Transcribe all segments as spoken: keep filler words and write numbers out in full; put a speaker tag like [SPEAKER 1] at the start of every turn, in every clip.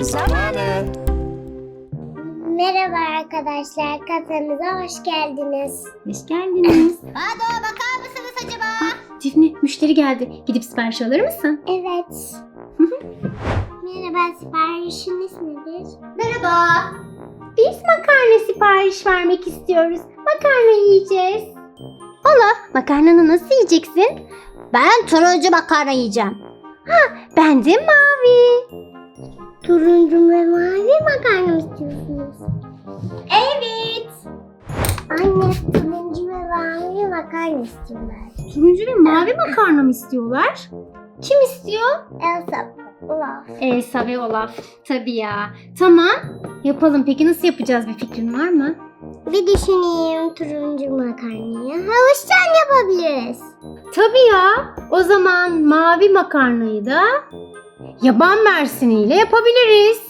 [SPEAKER 1] Parti zamanı.
[SPEAKER 2] Merhaba arkadaşlar, kasamıza hoş geldiniz.
[SPEAKER 3] Hoş geldiniz.
[SPEAKER 2] Hadi o bakar mısınız acaba?
[SPEAKER 3] Ah, Defne, müşteri geldi. Gidip sipariş alır mısın?
[SPEAKER 2] Evet. Merhaba, siparişiniz nedir?
[SPEAKER 3] Merhaba. Biz makarna sipariş vermek istiyoruz. Makarna yiyeceğiz. Ola, makarnanı nasıl yiyeceksin?
[SPEAKER 2] Ben turuncu makarna yiyeceğim.
[SPEAKER 3] Ben de mavi.
[SPEAKER 2] Turuncu ve mavi makarna mı istiyorsunuz?
[SPEAKER 3] Evet.
[SPEAKER 2] Anne, turuncu ve mavi makarna istiyorlar.
[SPEAKER 3] Turuncu ve mavi makarna mı istiyorlar? Kim istiyor?
[SPEAKER 2] Elsa, Olaf.
[SPEAKER 3] Elsa ve Olaf. Tabii ya. Tamam. Yapalım. Peki nasıl yapacağız? Bir fikrin var mı?
[SPEAKER 2] Bir düşüneyim, turuncu makarnayı havuçtan yapabiliriz.
[SPEAKER 3] Tabii ya. O zaman mavi makarnayı da yaban mersiniyle yapabiliriz.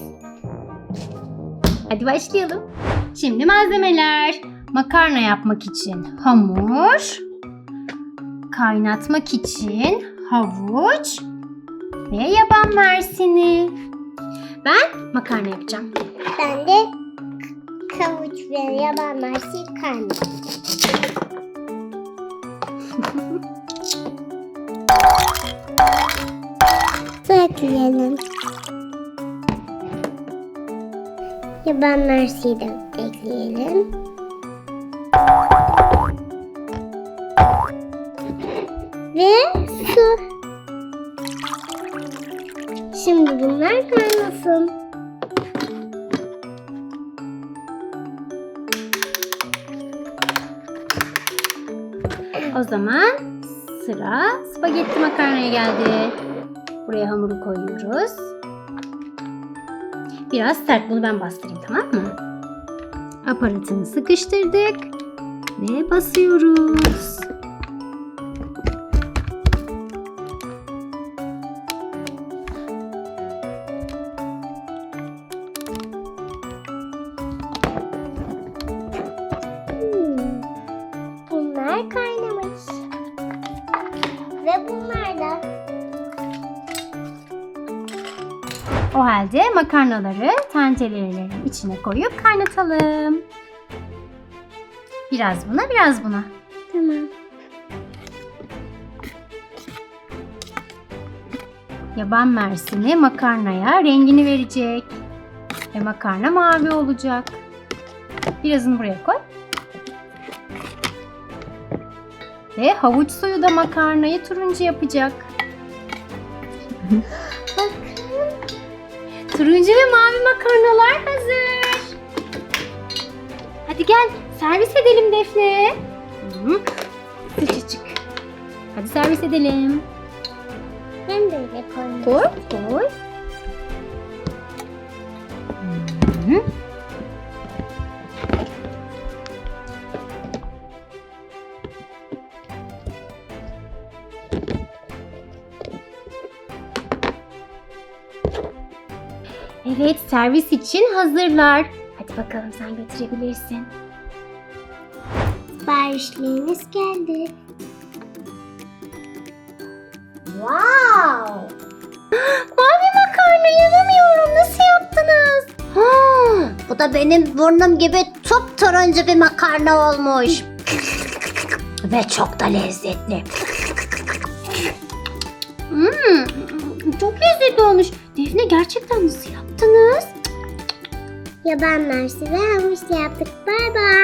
[SPEAKER 3] Hadi başlayalım. Şimdi malzemeler. Makarna yapmak için hamur, kaynatmak için havuç ve yaban mersini. Ben makarna yapacağım.
[SPEAKER 2] Ben de k- kavuç ve yaban mersini kaynatacağım. Su ekleyelim. Yaban mersini de ekleyelim. Ve su. Şimdi bunlar kaynasın.
[SPEAKER 3] O zaman sıra spagetti makarnaya geldi. Buraya hamuru koyuyoruz. Biraz sert, bunu ben bastırayım, tamam mı? Aparatını sıkıştırdık ve basıyoruz.
[SPEAKER 2] Hmm, bunlar kaynamış. Ve bunlar da.
[SPEAKER 3] O halde makarnaları tencerelerin içine koyup kaynatalım. Biraz buna, biraz buna.
[SPEAKER 2] Tamam.
[SPEAKER 3] Yaban mersini makarnaya rengini verecek. Ve makarna mavi olacak. Birazını buraya koy. Ve havuç suyu da makarnayı turuncu yapacak. Turuncu ve mavi makarnalar hazır. Hadi gel servis edelim Defne. Hı, sıcacık. Hadi servis edelim.
[SPEAKER 2] Ben de öyle koyayım.
[SPEAKER 3] Koy, koy. Hı. Evet, servis için hazırlar. Hadi bakalım, sen götürebilirsin.
[SPEAKER 2] Siparişleriniz geldi. Wow!
[SPEAKER 3] Mavi makarna, yanamıyorum. Nasıl yaptınız?
[SPEAKER 2] Bu da benim burnum gibi top turuncu bir makarna olmuş. Ve çok da lezzetli.
[SPEAKER 3] Hmm, çok lezzetli olmuş. Defne, gerçekten nasıl yaptınız?
[SPEAKER 2] Yaban mersini ve havuçla yaptık. Bay bay.